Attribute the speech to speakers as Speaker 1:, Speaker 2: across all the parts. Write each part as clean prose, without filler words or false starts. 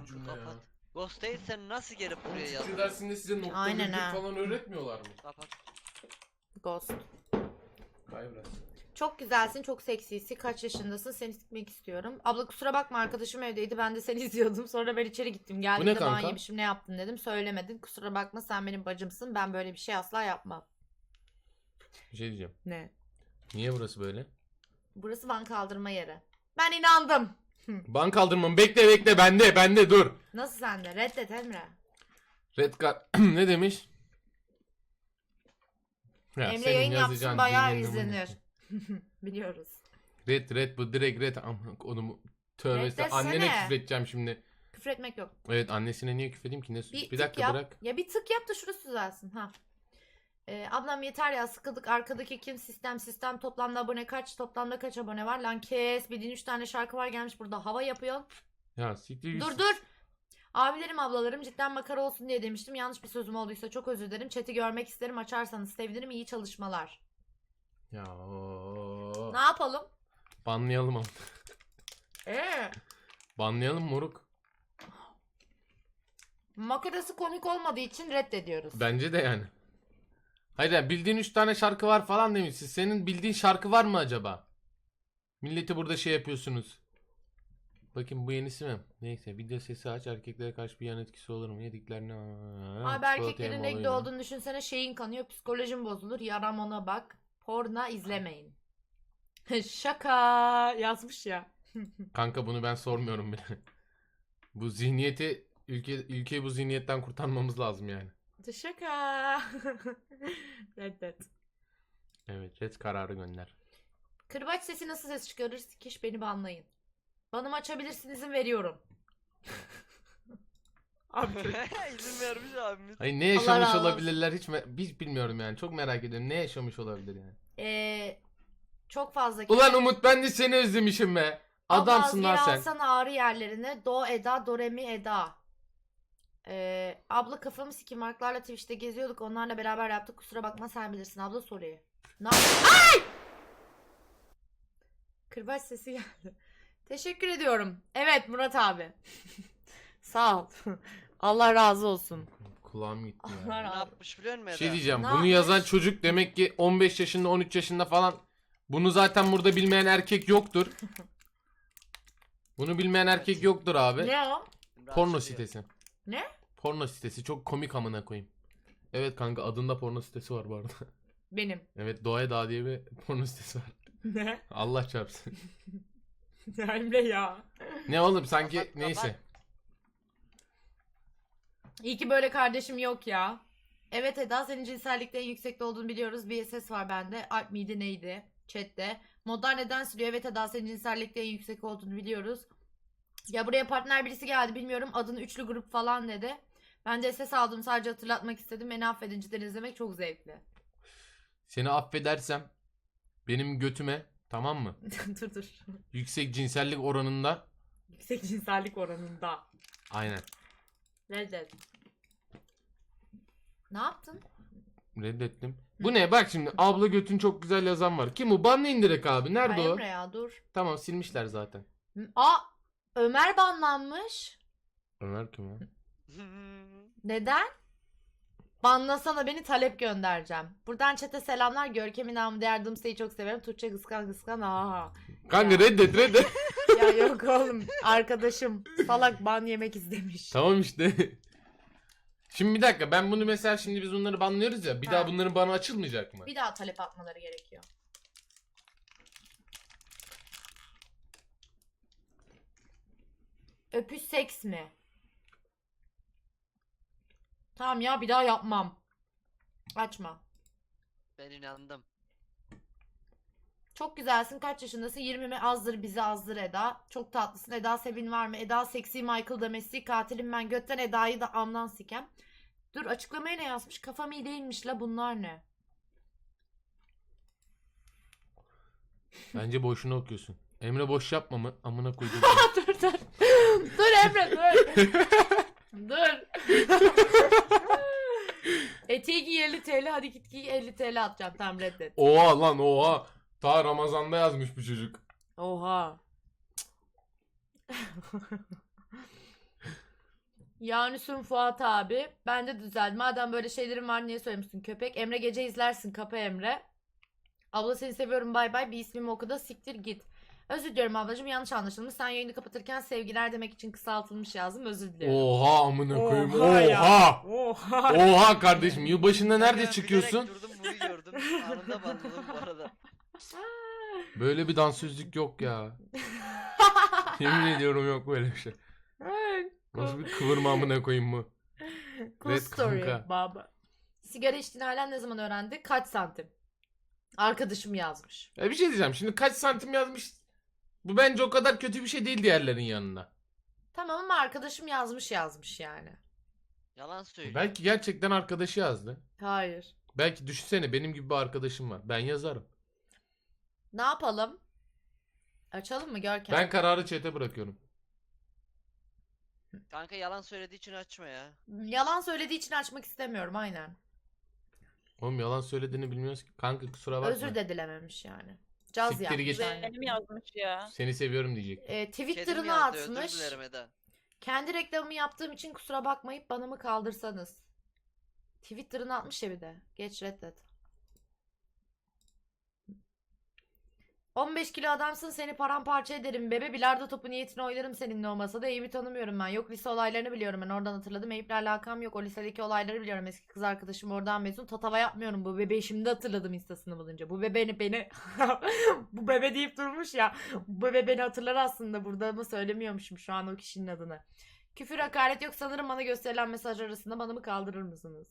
Speaker 1: cümle ya.
Speaker 2: Kapat. Ghost değil, sen nasıl gelip buraya
Speaker 1: Fikir
Speaker 2: yazdın?
Speaker 1: dersinde size nokta
Speaker 3: Aynen
Speaker 1: virgül
Speaker 3: ha.
Speaker 1: falan öğretmiyorlar mı?
Speaker 2: Kapat.
Speaker 3: Ghost.
Speaker 1: Kay biraz.
Speaker 3: Çok güzelsin, çok seksisin. Kaç yaşındasın? Seni sikmek istiyorum. Abla kusura bakma, arkadaşım evdeydi. Ben de seni izliyordum. Sonra ben içeri gittim. Geldiğimde
Speaker 1: kanka?
Speaker 3: ban yemişim, ne yaptın dedim. Söylemedin. Kusura bakma, sen benim bacımsın. Ben böyle bir şey asla yapmam.
Speaker 1: Bir şey diyeceğim.
Speaker 3: Ne?
Speaker 1: Niye burası böyle?
Speaker 3: Burası van kaldırma yeri. Ben inandım.
Speaker 1: Bank kaldırmam. Bekle bende dur.
Speaker 3: Nasıl sende? Reddet Emre.
Speaker 1: Red card ne demiş? Ya,
Speaker 3: Emre
Speaker 1: senin
Speaker 3: yayın
Speaker 1: yazacağın
Speaker 3: yapsın, bayağı
Speaker 1: dilin numune.
Speaker 3: izlenir. Biliyoruz.
Speaker 1: Red bu direkt red. Aman onu tövbe
Speaker 3: Reddetsene.
Speaker 1: annene küfredeceğim şimdi.
Speaker 3: Küfür etmek yok.
Speaker 1: Evet, annesine niye küfredeyim ki? Ne bir
Speaker 3: tık
Speaker 1: dakika
Speaker 3: yap.
Speaker 1: bırak.
Speaker 3: Ya bir tık yap da şurası düzelsin. Ha. Ablam yeter ya, sıkıldık. Arkadaki kim? Sistem toplamda abone kaç? Toplamda kaç abone var? Lan kes. Bildiğin 3 tane şarkı var, gelmiş burada hava yapıyor.
Speaker 1: Ya siktir.
Speaker 3: Dur. Abilerim ablalarım, cidden makara olsun diye demiştim. Yanlış bir sözüm olduysa çok özür dilerim. Chat'i görmek isterim. Açarsanız sevinirim. İyi çalışmalar.
Speaker 1: Ya
Speaker 3: Ne yapalım?
Speaker 1: banlayalım ama.
Speaker 3: Ee,
Speaker 1: Banlayalım moruk.
Speaker 3: makarası komik olmadığı için reddediyoruz.
Speaker 1: Bence de yani. Hayır yani bildiğin 3 tane şarkı var falan demişsin. Senin bildiğin şarkı var mı acaba? Milleti burada şey yapıyorsunuz. Bakın bu yenisi mi? Neyse, video sesi aç, erkeklere karşı bir yan etkisi olur mu? Yediklerine...
Speaker 3: Abi erkeklerin renkli olduğunu düşünsene, şeyin kanıyor, psikolojin bozulur. Yaram ona bak. Porno izlemeyin. Şaka yazmış ya.
Speaker 1: Kanka bunu ben sormuyorum bile. Bu zihniyeti, ülkeyi bu zihniyetten kurtarmamız lazım yani.
Speaker 3: Şaka. Reddet.
Speaker 1: Evet, red kararı gönder.
Speaker 3: Kırbaç sesi nasıl ses çıkarır? Sikiş, beni banlayın. Banımı açabilirsin, izin veriyorum. Abi
Speaker 2: İzin vermiş abimiz.
Speaker 1: Hayır, ne yaşamış
Speaker 3: razı olsun.
Speaker 1: olabilirler hiç bilmiyorum yani. Çok merak ediyorum, ne yaşamış olabilir yani.
Speaker 3: çok fazla.
Speaker 1: Ulan Umut, ben de seni özlemişim be. Adamsın lan sen.
Speaker 3: Alsana ağrı yerlerine. Do, Eda, Do, Re, Mi, Eda. Abla kafamı sikim. Marklarla Twitch'te geziyorduk. Onlarla beraber yaptık. Kusura bakma, sen bilirsin abla, soruyu. Ay! Kırbaç sesi geldi. Teşekkür ediyorum. Evet Murat abi. Sağ ol. Allah razı olsun.
Speaker 1: Kulağım gitti
Speaker 3: Allah
Speaker 1: ya.
Speaker 2: Ne
Speaker 3: razı olsun.
Speaker 2: yapmış biliyor musun
Speaker 1: Bir
Speaker 2: Eda?
Speaker 1: şey diyeceğim.
Speaker 3: Ne
Speaker 1: Bunu
Speaker 3: yapmış?
Speaker 1: yazan çocuk demek ki 15 yaşında, 13 yaşında falan. Bunu zaten burada bilmeyen erkek yoktur. Bunu bilmeyen erkek yoktur abi.
Speaker 3: Ne o?
Speaker 1: Porno
Speaker 2: Rahatsız ediyor.
Speaker 1: sitesi.
Speaker 3: Ne?
Speaker 1: Porno sitesi çok komik amına koyayım. Evet kanka, adında porno sitesi var bu arada.
Speaker 3: Benim.
Speaker 1: Evet, Doğaya Dağ diye bir porno sitesi var.
Speaker 3: Ne?
Speaker 1: Allah çarpsın.
Speaker 3: Emre ya.
Speaker 1: Ne oğlum sanki
Speaker 2: Kapat,
Speaker 1: neyse.
Speaker 2: kapat.
Speaker 3: İyi ki böyle kardeşim yok ya. Evet Eda, senin cinsellikte en yüksekte olduğunu biliyoruz. Bir ses var bende. Alp miydi neydi? Chat'te. Modlar neden sürüyor? Evet Eda, senin cinsellikte en yüksek olduğunu biliyoruz. Ya buraya partner birisi geldi, bilmiyorum. Adını üçlü grup falan dedi. Ben de ses aldım, sadece hatırlatmak istedim. Beni affedin, cidden izlemek çok zevkli.
Speaker 1: Seni affedersem benim götüme, tamam mı?
Speaker 3: dur.
Speaker 1: Yüksek cinsellik oranında.
Speaker 3: Yüksek cinsellik oranında.
Speaker 1: Aynen.
Speaker 3: Reddet. Ne yaptın?
Speaker 1: Reddettim. Bu ne? Bak şimdi abla götün çok güzel yazan var. Kim o? Banlayın direkt abi. Nerede
Speaker 3: Ay
Speaker 1: o?
Speaker 3: Emre ya, dur.
Speaker 1: Tamam, silmişler zaten.
Speaker 3: Aa, Ömer banlanmış.
Speaker 1: Ömer kim ya?
Speaker 3: Neden? Banlasana beni, talep göndereceğim. Buradan chat'e selamlar. Görkem'in namı değer Dımsa'yı çok severim. Tuğçe kıskan. Aha.
Speaker 1: Kanka
Speaker 3: Ya.
Speaker 1: reddet.
Speaker 3: Ya yok oğlum. Arkadaşım salak ban yemek istemiş.
Speaker 1: Tamam işte. Şimdi bir dakika, ben bunu mesela, şimdi biz bunları banlıyoruz ya. Bir
Speaker 3: Ha.
Speaker 1: daha bunların banı açılmayacak mı?
Speaker 3: Bir daha talep atmaları gerekiyor. Öpüş seks mi? Tamam ya, bir daha yapmam. Açma.
Speaker 2: Ben inandım.
Speaker 3: Çok güzelsin. Kaç yaşındasın? 20 mi? Azdır bizi azdır Eda. Çok tatlısın. Eda Sevin var mı? Eda seksi Michael da Messi. Katilim ben. Götten Eda'yı da amdan sikem. Dur, açıklamaya ne yazmış? Kafam iyi değilmiş la, bunlar ne?
Speaker 1: Bence boşuna okuyorsun. Emre boş yapma mı? Amına koydum.
Speaker 3: dur. Dur Emre dur. Dur. Eteği giy 50 TL. Hadi git giy, 50 TL atacağım. Tamam, reddet.
Speaker 1: Oha lan oha. Ta Ramazan'da yazmış bu çocuk.
Speaker 3: Oha. Yanüs'ün Fuat abi. Ben de düzeldi. Madem böyle şeylerin var niye söylemişsin köpek? Emre gece izlersin kapı Emre. Abla seni seviyorum bay bay. Bir ismimi oku da siktir git. Özür diliyorum ablacığım yanlış anlaşılmış. Sen yayını kapatırken sevgiler demek için kısaltılmış yazdım. Özür diliyorum.
Speaker 1: Oha amına koyayım.
Speaker 3: Oha ya.
Speaker 1: Oha.
Speaker 3: Oha.
Speaker 1: Oha kardeşim yılbaşında nerede
Speaker 2: Kanka,
Speaker 1: çıkıyorsun?
Speaker 2: bilerek durdum bunu gördüm. Anında banladım bu arada.
Speaker 1: Böyle bir dansözlük yok ya. Yemin ediyorum yok böyle bir şey. Nasıl bir kıvırma amına koyayım bu?
Speaker 3: Cool
Speaker 1: Evet
Speaker 3: story
Speaker 1: kanka.
Speaker 3: baba. Sigara içtiğini halen ne zaman öğrendi? Kaç santim? Arkadaşım yazmış.
Speaker 1: Bir şey diyeceğim. Şimdi kaç santim yazmış? Bu bence o kadar kötü bir şey değil diğerlerin yanına.
Speaker 3: Tamam ama arkadaşım yazmış yani.
Speaker 2: Yalan söylüyor.
Speaker 1: Belki gerçekten arkadaşı yazdı.
Speaker 3: Hayır.
Speaker 1: Belki düşünsene benim gibi bir arkadaşım var. Ben yazarım.
Speaker 3: Ne yapalım? Açalım mı Görkem?
Speaker 1: Ben kararı chat'e bırakıyorum.
Speaker 2: Kanka yalan söylediği için açma ya.
Speaker 3: Yalan söylediği için açmak istemiyorum aynen.
Speaker 1: Oğlum yalan söylediğini bilmiyoruz ki. Kanka kusura bakma.
Speaker 3: Özür de dilememiş yani. Caz
Speaker 1: Siktir
Speaker 3: yapmış
Speaker 1: git.
Speaker 3: yani.
Speaker 4: Benim yazmış ya.
Speaker 1: Seni seviyorum diyecek.
Speaker 2: Kedim
Speaker 3: Twitter'ına
Speaker 2: yazdı, özür
Speaker 3: atmış.
Speaker 2: dilerim Eda.
Speaker 3: Kendi reklamımı yaptığım için kusura bakmayıp bana mı kaldırsanız. Twitter'ına atmış ya bir de. Geç reddet. 15 kilo adamsın seni paramparça ederim bebe bilardo topu niyetine oylarım seninle olmasa da Eyüp'ü tanımıyorum ben. Yok lise olaylarını biliyorum ben oradan hatırladım. Eyüp'le alakam yok o lisedeki olayları biliyorum eski kız arkadaşım oradan mezun. Tatava yapmıyorum bu bebeği şimdi hatırladım instasını bulunca. Bu bebe beni bu bebe deyip durmuş ya. Bu bebe beni hatırlar aslında burada ama söylemiyormuşum şu an o kişinin adını. Küfür hakaret yok sanırım bana gösterilen mesaj arasında bana mı kaldırır mısınız?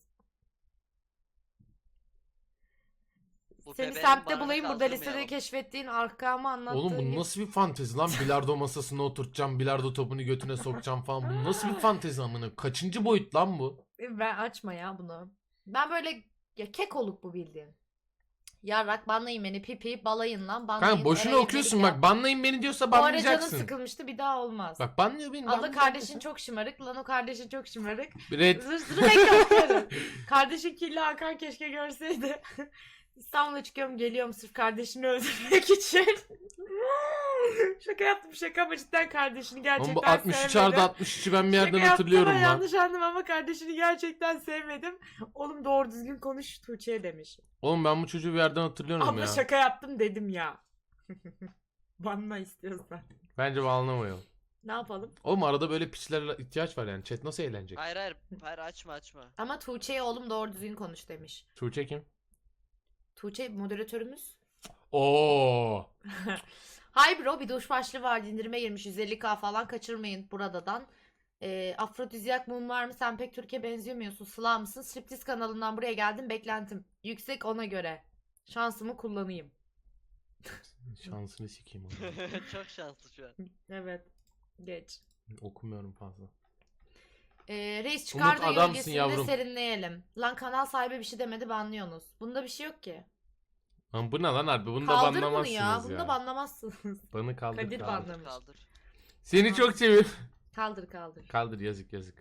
Speaker 2: Bu
Speaker 3: Seni
Speaker 2: bebeğin
Speaker 3: semtte
Speaker 2: bağrını
Speaker 3: bulayım burada lisede
Speaker 2: kaldırmayalım.
Speaker 3: keşfettiğin arkamı anlattığın
Speaker 1: Oğlum bu
Speaker 3: gibi.
Speaker 1: nasıl bir fantezi lan? Bilardo masasına oturtacağım, bilardo topunu götüne sokacağım falan. Bu nasıl bir fantezi amına? Kaçıncı boyut lan bu?
Speaker 3: Ben açma ya bunu. Ben böyle ya kek olup bu bildiğin. Yarrak banlayın beni pipi balayın lan banlayın.
Speaker 1: Kanka boşuna
Speaker 3: Eray'ın
Speaker 1: okuyorsun
Speaker 3: delik
Speaker 1: bak. Banlayın beni diyorsa
Speaker 3: Bu ara canım
Speaker 1: banlayacaksın.
Speaker 3: sıkılmıştı bir daha olmaz.
Speaker 1: Bak banlıyor beni.
Speaker 3: Abla
Speaker 1: banlayacak
Speaker 3: kardeşin
Speaker 1: mısın?
Speaker 3: çok şımarık. Lan o kardeşin çok şımarık.
Speaker 1: Red.
Speaker 3: Zır bekliyorum. Kardeşin kirli Hakan keşke görseydi. İstanbul'a çıkıyorum geliyorum sırf kardeşini öldürmek için. Şaka yaptım şaka ama cidden kardeşini
Speaker 1: Oğlum
Speaker 3: gerçekten
Speaker 1: bu 63
Speaker 3: sevmedim.
Speaker 1: artı 63'ü ben bir yerden
Speaker 3: Şaka yaptım
Speaker 1: hatırlıyorum
Speaker 3: ama
Speaker 1: lan.
Speaker 3: yanlış anladım ama kardeşini gerçekten sevmedim. Oğlum doğru düzgün konuş Tuğçe'ye demiş.
Speaker 1: Oğlum ben bu çocuğu bir yerden hatırlıyorum
Speaker 3: Abla
Speaker 1: ya.
Speaker 3: şaka yaptım dedim ya. Banla istiyorsan.
Speaker 1: Bence banlamayalım.
Speaker 3: Ne yapalım?
Speaker 1: Oğlum arada böyle piçlere ihtiyaç var yani. Chat nasıl eğlenecek?
Speaker 2: Hayır hayır. Hayır açma.
Speaker 3: Ama Tuğçe'ye oğlum doğru düzgün konuş demiş.
Speaker 1: Tuğçe kim?
Speaker 3: Tuğçe moderatörümüz.
Speaker 1: Oo.
Speaker 3: Hay bro bir duş başlığı var indirime girmiş 150k falan kaçırmayın buradadan. Afrodizyak mum var mı? Sen pek Türkiye benzemiyorsun. Sıla mısın? Striptiz kanalından buraya geldim. Beklentim yüksek ona göre. Şansımı kullanayım.
Speaker 1: Şansını sikeyim onu.
Speaker 2: Çok şanslı şu an.
Speaker 3: Evet. Geç.
Speaker 1: Okumuyorum fazla.
Speaker 3: Reis çıkardı
Speaker 1: adamsın
Speaker 3: gölgesinde
Speaker 1: yavrum.
Speaker 3: serinleyelim. Lan kanal sahibi bir şey demedi banlıyorsunuz. Bunda bir şey yok ki.
Speaker 1: Lan bu ne lan harbi? Bunu da
Speaker 3: Kaldır bunu
Speaker 1: banlamazsınız
Speaker 3: ya.
Speaker 1: ya.
Speaker 3: Bunu da banlamazsınız.
Speaker 1: Bana kaldır
Speaker 3: Kadir
Speaker 1: kaldır.
Speaker 3: banlamış.
Speaker 2: Kaldır.
Speaker 1: Seni çok seviyorum.
Speaker 3: Kaldır.
Speaker 1: Kaldır yazık yazık.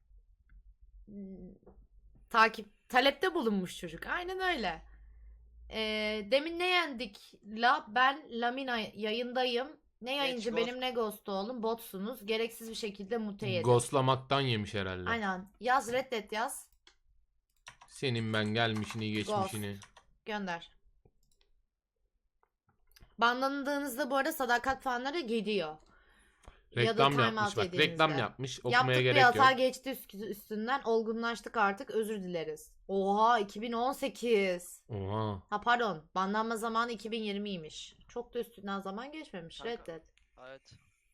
Speaker 3: Talepte bulunmuş çocuk. Aynen öyle. Demin ne yendik? Ben Lamina yayındayım. Ne yayıncı
Speaker 2: Ghost.
Speaker 3: benim ne ghost oğlum botsunuz. Gereksiz bir şekilde mute yedim.
Speaker 1: Ghostlamaktan yemiş herhalde.
Speaker 3: Aynen. Yaz reddet yaz.
Speaker 1: Senin ben gelmişini geçmişini.
Speaker 3: Gönder. Banlandığınızda bu arada sadakat fanları gidiyor. Ya da
Speaker 1: Reklam
Speaker 3: time
Speaker 1: yapmış
Speaker 3: out
Speaker 1: bak.
Speaker 3: yediğinizde.
Speaker 1: Reklam yapmış. Okumaya
Speaker 3: Yaptık bir
Speaker 1: gerek
Speaker 3: hata
Speaker 1: yok.
Speaker 3: geçti üstünden. Olgunlaştık artık. Özür dileriz. Oha 2018.
Speaker 1: Oha.
Speaker 3: Ha pardon. Banlanma zamanı 2020'ymiş. Çok da üstünden zaman geçmemiş.
Speaker 2: Kanka.
Speaker 3: Reddet.
Speaker 2: Evet.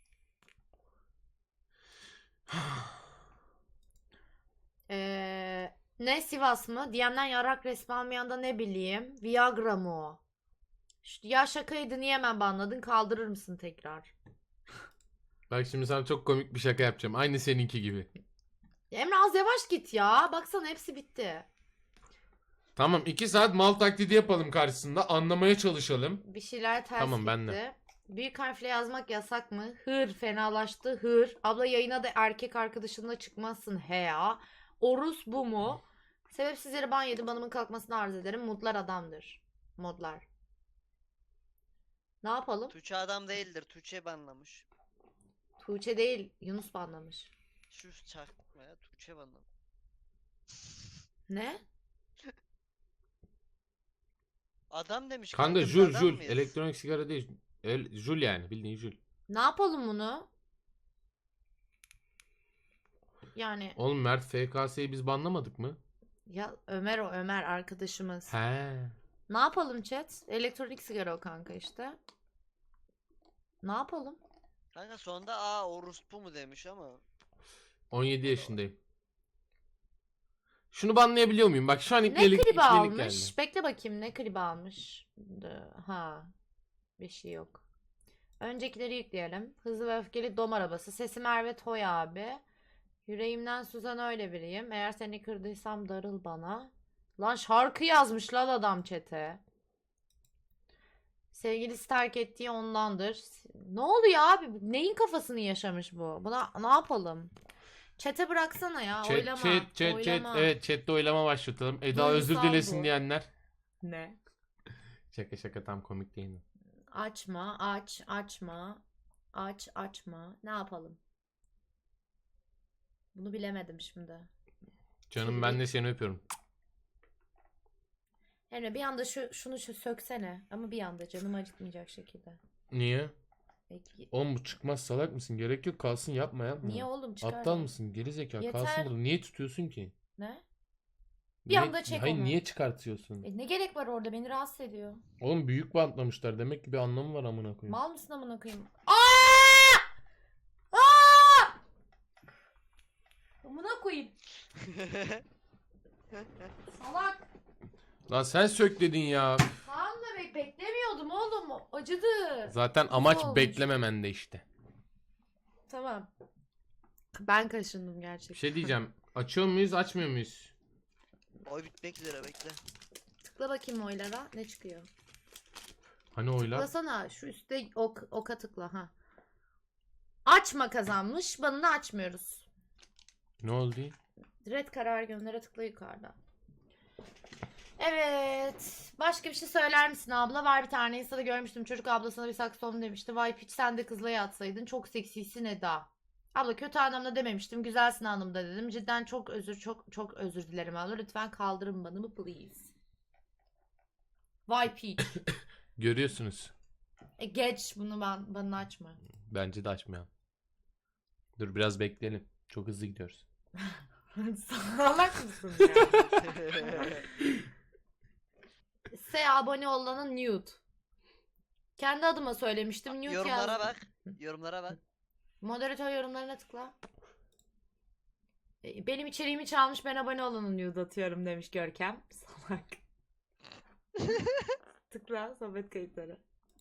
Speaker 3: Ne Sivas mı? DM'den yarak resmi almayan da ne bileyim. Viagra mı o? Ya şakaydı niye hemen banladın? Kaldırır mısın tekrar?
Speaker 1: Bak şimdi sana çok komik bir şaka yapacağım. Aynı seninki gibi.
Speaker 3: Ya Emre az yavaş git ya. Baksana hepsi bitti.
Speaker 1: Tamam 2 saat mal taklidi yapalım karşısında. Anlamaya çalışalım.
Speaker 3: Bir şeyler ters
Speaker 1: Tamam,
Speaker 3: gitti.
Speaker 1: ben de.
Speaker 3: Büyük harfle yazmak yasak mı? Hır fenalaştı. Hır. Abla yayına da erkek arkadaşınla çıkmazsın. He ya. Orus bu mu? Sebepsiz yere ban yedim. Banımın kalkmasını arz ederim. Modlar adamdır. Modlar. Ne yapalım?
Speaker 2: Tuğçe adam değildir. Tuğçe banlamış.
Speaker 3: Tuğçe değil. Yunus banlamış.
Speaker 2: Şu çakma ya Tuğçe bana.
Speaker 3: Ne?
Speaker 2: Adam demiş
Speaker 1: Kanka
Speaker 2: biz
Speaker 1: jul
Speaker 2: adam
Speaker 1: jul.
Speaker 2: mıyız?
Speaker 1: Elektronik sigara değil. Jul yani bildiğin jul.
Speaker 3: Ne yapalım bunu? Yani
Speaker 1: Oğlum Mert FKS'yi biz banlamadık mı?
Speaker 3: ya Ömer o Ömer arkadaşımız.
Speaker 1: He.
Speaker 3: Ne yapalım chat? Elektronik sigara o kanka işte. Ne yapalım?
Speaker 2: Kanka sonunda aa orospu mu demiş ama.
Speaker 1: 17 yaşındayım. Şunu banlayabiliyor muyum? Bak şu an
Speaker 3: Ne
Speaker 1: iplelik
Speaker 3: klibi almış?
Speaker 1: geldi.
Speaker 3: Bekle bakayım ne klibi almış. Ha. Bir şey yok. Öncekileri yükleyelim. Hızlı ve Öfkeli Dom Arabası. Sesi Merve Toy abi. Yüreğimden Suzan öyle biriyim. Eğer seni kırdıysam darıl bana. Lan şarkı yazmış lan adam chat'e. Sevgilisi terk ettiği ondandır. Ne oluyor abi? Neyin kafasını yaşamış bu? Buna ne yapalım? Chat'e bıraksana ya. Oylama.
Speaker 1: Chat.
Speaker 3: Oylama.
Speaker 1: Evet chatte oylama başlatalım. Eda
Speaker 3: Duygusal
Speaker 1: özür dilesin
Speaker 3: bu.
Speaker 1: diyenler.
Speaker 3: Ne?
Speaker 1: Şaka tam komik değil mi?
Speaker 3: Açma, açma. Açma. Ne yapalım? Bunu bilemedim şimdi.
Speaker 1: Canım ben de seni öpüyorum.
Speaker 3: Emre bir anda şunu söksene. Ama bir anda canımı acıtmayacak şekilde.
Speaker 1: Niye?
Speaker 3: Peki.
Speaker 1: Oğlum bu çıkmaz salak mısın? Gerek yok kalsın yapma.
Speaker 3: Niye oğlum çıkar
Speaker 1: Aptal
Speaker 3: ya.
Speaker 1: mısın? Geri zekalı
Speaker 3: Yeter.
Speaker 1: kalsın burada. Niye tutuyorsun ki?
Speaker 3: Ne? Bir
Speaker 1: Niye-
Speaker 3: anda çek
Speaker 1: Hayır
Speaker 3: onu.
Speaker 1: niye çıkartıyorsun?
Speaker 3: Ne gerek var orada? Beni rahatsız ediyor.
Speaker 1: Oğlum büyük bantlamışlar. Demek ki bir anlamı var amına koyayım.
Speaker 3: Mal mısın amına koyayım? Aa! Aa! Amına koyayım. Salak.
Speaker 1: Lan sen sök dedin ya.
Speaker 3: Tamam da beklemiyordum oğlum. Acıdı.
Speaker 1: Zaten amaç
Speaker 3: olmuş?
Speaker 1: beklememende işte.
Speaker 3: Tamam. Ben kaşındım
Speaker 1: Bir
Speaker 3: gerçekten.
Speaker 1: şey diyeceğim. Açıyor muyuz açmıyor muyuz?
Speaker 2: Oy bitmek üzere bekle.
Speaker 3: Tıkla bakayım oylara. Ne çıkıyor?
Speaker 1: Hani oylar?
Speaker 3: Tıklasana. Şu üstte oka tıkla. Ha. Açma kazanmış. Banını açmıyoruz.
Speaker 1: Ne oldu?
Speaker 3: Red karar göndere tıkla yukarıda. Evet. Başka bir şey söyler misin abla? Var bir tane Insta'da görmüştüm. Çocuk ablasına bir saksofon demişti. Vay piç sen de kızla yatsaydın. Çok seksisin Eda. Abla kötü anlamda dememiştim. Güzelsin anlamda dedim. Cidden çok özür dilerim abla. Lütfen kaldırın banımı please. Vay piç.
Speaker 1: Görüyorsunuz.
Speaker 3: Geç bunu bana açma.
Speaker 1: Bence de açmayalım. Dur biraz bekleyelim. Çok hızlı gidiyoruz.
Speaker 3: Salak mısın ya? S abone olanın nude. Kendi adıma söylemiştim. Nude
Speaker 2: Yorumlara
Speaker 3: yazdım.
Speaker 2: bak. Yorumlara bak.
Speaker 3: Moderatör yorumlarına tıkla. Benim içeriğimi çalmış ben abone olanın nude atıyorum demiş Görkem. Salak. Tıkla sohbet kayıtları.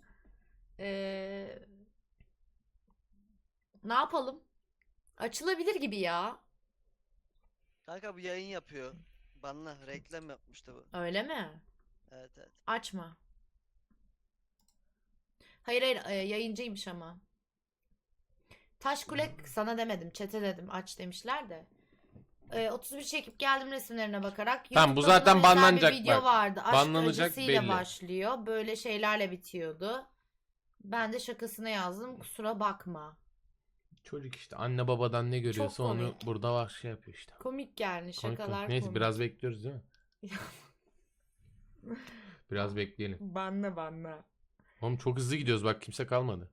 Speaker 3: Ne yapalım? Açılabilir gibi ya.
Speaker 2: Kanka bu yayın yapıyor. Banla reklam yapmıştı bu.
Speaker 3: Öyle mi?
Speaker 2: Evet.
Speaker 3: Açma. Hayır yayıncıymış ama. Taş kule sana demedim chat'e dedim aç demişler de. 31 çekip geldim resimlerine bakarak.
Speaker 1: Tamam, bu
Speaker 3: YouTube'da
Speaker 1: zaten
Speaker 3: buna benzer
Speaker 1: banlanacak
Speaker 3: bir video
Speaker 1: bak.
Speaker 3: vardı. Aşk
Speaker 1: Banlanacak
Speaker 3: acısıyla
Speaker 1: belli.
Speaker 3: başlıyor. Böyle şeylerle bitiyordu. Ben de şakasına yazdım. Kusura bakma.
Speaker 1: Çocuk işte anne babadan ne görüyorsa onu
Speaker 3: komik.
Speaker 1: burada var şey yapıyor işte.
Speaker 3: Komik yani
Speaker 1: Komik,
Speaker 3: şakalar
Speaker 1: komik. Neyse
Speaker 3: komik.
Speaker 1: biraz bekliyoruz değil mi? Biraz bekleyelim.
Speaker 3: Banla.
Speaker 1: Oğlum çok hızlı gidiyoruz bak kimse kalmadı.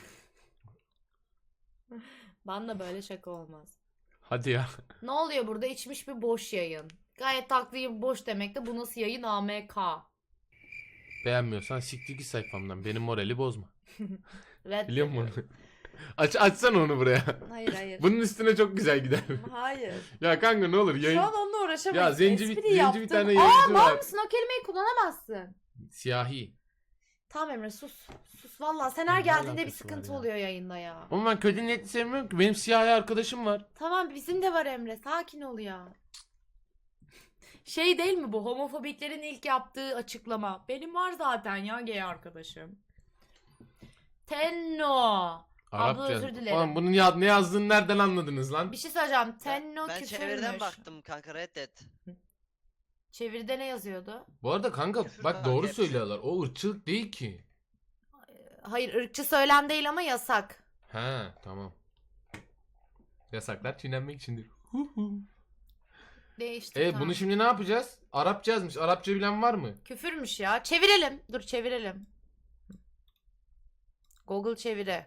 Speaker 3: Banla böyle şaka olmaz.
Speaker 1: Hadi ya.
Speaker 3: Ne oluyor burada? İçmiş bir boş yayın. Gayet taklıyı boş demek de bu nasıl yayın AMK.
Speaker 1: Beğenmiyorsan siktir git sayfamdan. Benim morali bozma.
Speaker 3: Red
Speaker 1: Biliyor musun? Açsana onu buraya.
Speaker 3: Hayır.
Speaker 1: Bunun üstüne çok güzel gider.
Speaker 3: Hayır.
Speaker 1: Ya kanka ne olur yayın.
Speaker 3: Şu an onunla uğraşamayız.
Speaker 1: Ya zenci
Speaker 3: Espri
Speaker 1: bir
Speaker 3: yaptım.
Speaker 1: tane
Speaker 3: Aa
Speaker 1: yayıncı
Speaker 3: mal
Speaker 1: var.
Speaker 3: mısın? O kelimeyi kullanamazsın.
Speaker 1: Siyahi.
Speaker 3: Tamam Emre sus. Sus valla. Sen her
Speaker 1: Ne
Speaker 3: geldiğinde bir
Speaker 1: alakası var
Speaker 3: sıkıntı
Speaker 1: ya?
Speaker 3: oluyor yayında ya.
Speaker 1: Ama ben kötü niyetli sevmiyorum ki. Benim siyahi arkadaşım var.
Speaker 3: Tamam bizim de var Emre. Sakin ol ya. Şey değil mi bu? Homofobiklerin ilk yaptığı açıklama. Benim var zaten ya gay arkadaşım. Tenno. Abla
Speaker 1: Arapça.
Speaker 3: özür dilerim.
Speaker 1: Oğlum bunun ne yazdığını nereden anladınız lan?
Speaker 3: Bir şey söyleyeceğim. Tenno
Speaker 2: Ben
Speaker 3: küfürmüş.
Speaker 2: çeviriden baktım kanka reddet.
Speaker 3: Çeviride ne yazıyordu?
Speaker 1: Bu arada kanka
Speaker 2: Küfür
Speaker 1: bak
Speaker 2: kanka
Speaker 1: doğru
Speaker 2: hepsi.
Speaker 1: söylüyorlar. O ırkçılık değil ki.
Speaker 3: Hayır ırkçı söylem değil ama yasak.
Speaker 1: He tamam. Yasaklar çiğnenmek içindir.
Speaker 3: Değişti. Tamam.
Speaker 1: Bunu şimdi ne yapacağız? Arapça yazmış. Arapça bilen var mı?
Speaker 3: Küfürmüş ya. Çevirelim. Dur çevirelim. Google çeviri.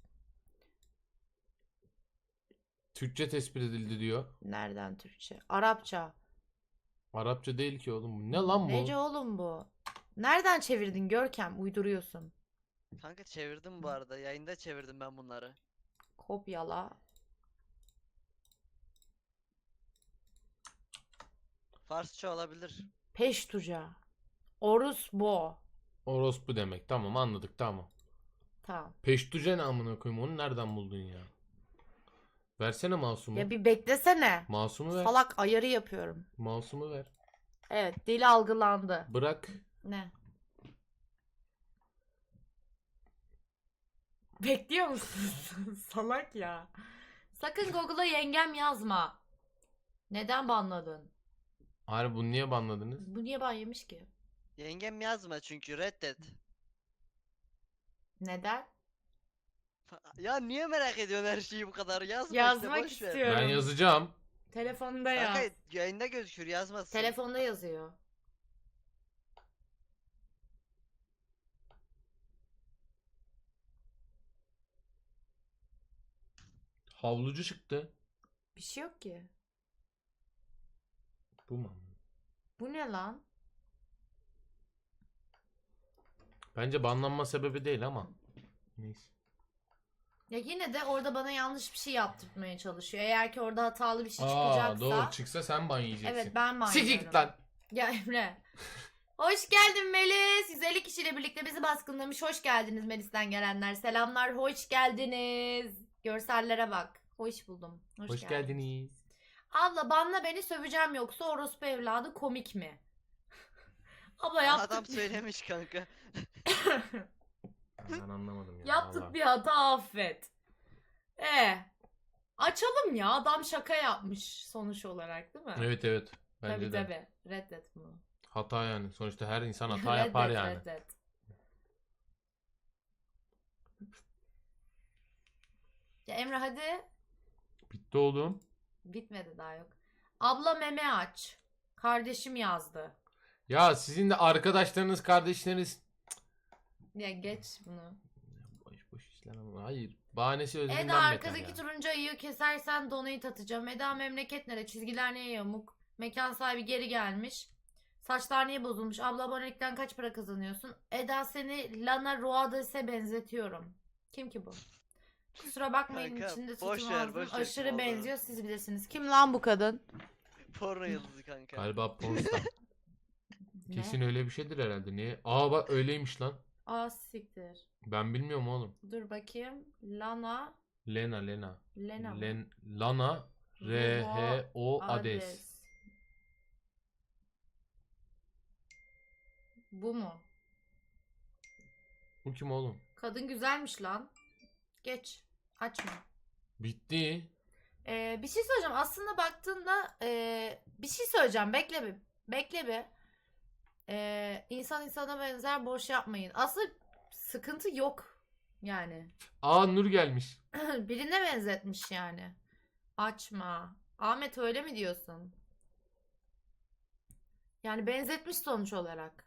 Speaker 1: Türkçe tespit edildi diyor.
Speaker 3: Nereden Türkçe? Arapça.
Speaker 1: Arapça değil ki oğlum. Bu ne lan bu?
Speaker 3: Nece oğlum bu? Nereden çevirdin Görkem? Uyduruyorsun.
Speaker 2: Kanka çevirdim bu arada. Yayında çevirdim ben bunları.
Speaker 3: Kopyala.
Speaker 2: Farsça olabilir.
Speaker 3: Peştuca. Orosbo.
Speaker 1: Orospu demek. Tamam anladık tamam.
Speaker 3: Tamam.
Speaker 1: Peştuce ne amına koyayım? Onu nereden buldun ya? Versene masumu.
Speaker 3: Ya bir beklesene.
Speaker 1: Masumu ver.
Speaker 3: Salak ayarı yapıyorum.
Speaker 1: Masumu ver.
Speaker 3: Evet, dil algılandı.
Speaker 1: Bırak.
Speaker 3: Ne? Bekliyor musun? Salak ya. Sakın Google'a yengem yazma. Neden banladın?
Speaker 1: Harbi bunu niye banladınız?
Speaker 3: Bu niye ban yemiş ki?
Speaker 2: Yengem yazma çünkü reddet.
Speaker 3: Neden?
Speaker 2: Ya niye merak ediyorsun her şeyi bu kadar? Yazma
Speaker 3: Yazmak
Speaker 2: işte boş ver.
Speaker 3: istiyorum.
Speaker 1: Ben yazacağım.
Speaker 3: Telefonda yaz.
Speaker 2: Kanka yayında gözükür yazmasın.
Speaker 3: Telefonda yazıyor.
Speaker 1: Havlucu çıktı.
Speaker 3: Bir şey yok ki.
Speaker 1: Bu mu?
Speaker 3: Bu ne lan?
Speaker 1: Bence banlanma sebebi değil ama. Neyse.
Speaker 3: Ya yine de orada bana yanlış bir şey yaptırtmaya çalışıyor. Eğer ki orada hatalı bir şey
Speaker 1: Aa
Speaker 3: çıkacaksa.
Speaker 1: doğru çıksa sen ban yiyeceksin.
Speaker 3: Evet ben ban
Speaker 1: Siktir
Speaker 3: yiyorum.
Speaker 1: git lan.
Speaker 3: Ya Emre. Hoş geldin Melis. 150 kişiyle birlikte bizi baskınlamış. Hoş geldiniz Melis'ten gelenler. Selamlar. Hoş geldiniz. Görsellere bak. Hoş buldum.
Speaker 1: Hoş geldiniz.
Speaker 3: Abla banla beni söveceğim yoksa orospu evladı komik mi? Abla yaptık.
Speaker 2: Adam söylemiş kanka.
Speaker 1: Ben anlamadım ya.
Speaker 3: Yaptık
Speaker 1: vallahi.
Speaker 3: bir hata affet. Açalım ya. Adam şaka yapmış sonuç olarak değil mi?
Speaker 1: Evet evet. Bence
Speaker 3: Tabii
Speaker 1: de.
Speaker 3: tabii. Reddet bunu.
Speaker 1: Hata yani. Sonuçta her insan hata yapar
Speaker 3: Reddet,
Speaker 1: yani.
Speaker 3: reddet. Ya Emre hadi.
Speaker 1: Bitti oğlum.
Speaker 3: Bitmedi daha yok. Abla meme aç. Kardeşim yazdı.
Speaker 1: Ya sizin de arkadaşlarınız, kardeşleriniz
Speaker 3: Ya geç bunu.
Speaker 1: boş boş işler ama hayır. Bahanesi özünden
Speaker 3: Eda
Speaker 1: beter
Speaker 3: arkadaki
Speaker 1: ya.
Speaker 3: turuncu ayıyı kesersen donate atacağım. Eda memleket nere? Çizgiler niye yamuk? Mekan sahibi geri gelmiş. Saçlar niye bozulmuş? Abla abonelikten kaç para kazanıyorsun? Eda seni Lana Roades'e benzetiyorum. Kim ki bu? Kusura bakmayın
Speaker 2: Kanka,
Speaker 3: içinde
Speaker 2: boş
Speaker 3: sütüm
Speaker 2: ver,
Speaker 3: ağzım
Speaker 2: boş ver
Speaker 3: aşırı
Speaker 2: kim olduğunu.
Speaker 3: benziyor siz bilirsiniz. Kim lan bu kadın?
Speaker 2: Porno yıldızı kanka.
Speaker 1: Galiba pornstar.
Speaker 3: Ne?
Speaker 1: Kesin öyle bir şeydir herhalde. Niye? Aa bak öyleymiş lan.
Speaker 3: Aa siktir.
Speaker 1: Ben bilmiyorum oğlum.
Speaker 3: Dur bakayım. Lana.
Speaker 1: Lena Lena.
Speaker 3: Lena mı?
Speaker 1: Lana R-H-O Ades.
Speaker 3: Ades. Bu mu?
Speaker 1: Bu kim oğlum?
Speaker 3: Kadın güzelmiş lan. Geç. Açma.
Speaker 1: Bitti.
Speaker 3: Bir şey söyleyeceğim. Aslında baktığında bir şey söyleyeceğim. Bekle bir. Bekle bir. İnsan insana benzer boş yapmayın. Aslında sıkıntı yok. Yani.
Speaker 1: Aa Nur gelmiş.
Speaker 3: Birine benzetmiş yani. Açma. Ahmet öyle mi diyorsun? Yani benzetmiş sonuç olarak.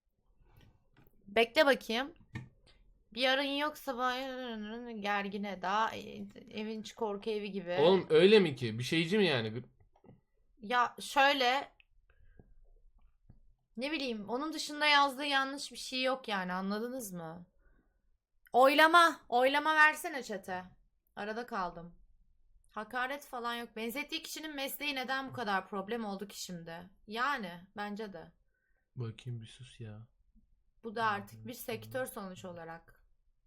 Speaker 3: Bekle bakayım. Bir yarın yoksa gergine daha evin içi korku evi gibi.
Speaker 1: Oğlum öyle mi ki? Bir şeyci mi yani?
Speaker 3: Ya şöyle ne bileyim onun dışında yazdığı yanlış bir şey yok yani anladınız mı? Oylama. Oylama versene chat'e. Arada kaldım. Hakaret falan yok. Benzettiği kişinin mesleği neden bu kadar problem oldu ki şimdi? Yani bence de.
Speaker 1: Bakayım bir sus ya.
Speaker 3: Bu da artık bir sektör sonuç olarak.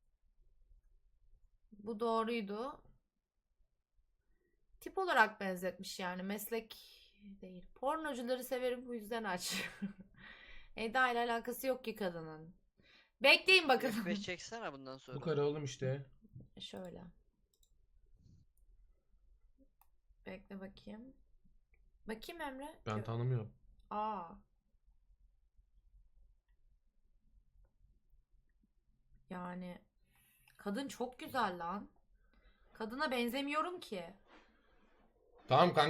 Speaker 3: Bu doğruydu. Tip olarak benzetmiş yani. Meslek değil. Pornocuları severim bu yüzden aç. Eda ile alakası yok ki kadının. Bekleyin bakalım.
Speaker 2: F5 çeksene bundan sonra.
Speaker 1: Bu kadar oğlum işte.
Speaker 3: Şöyle. Bekle bakayım. Bakayım Emre.
Speaker 1: Ben tanımıyorum.
Speaker 3: Aa. Yani kadın çok güzel lan. Kadına benzemiyorum ki.
Speaker 1: Tamam kanka.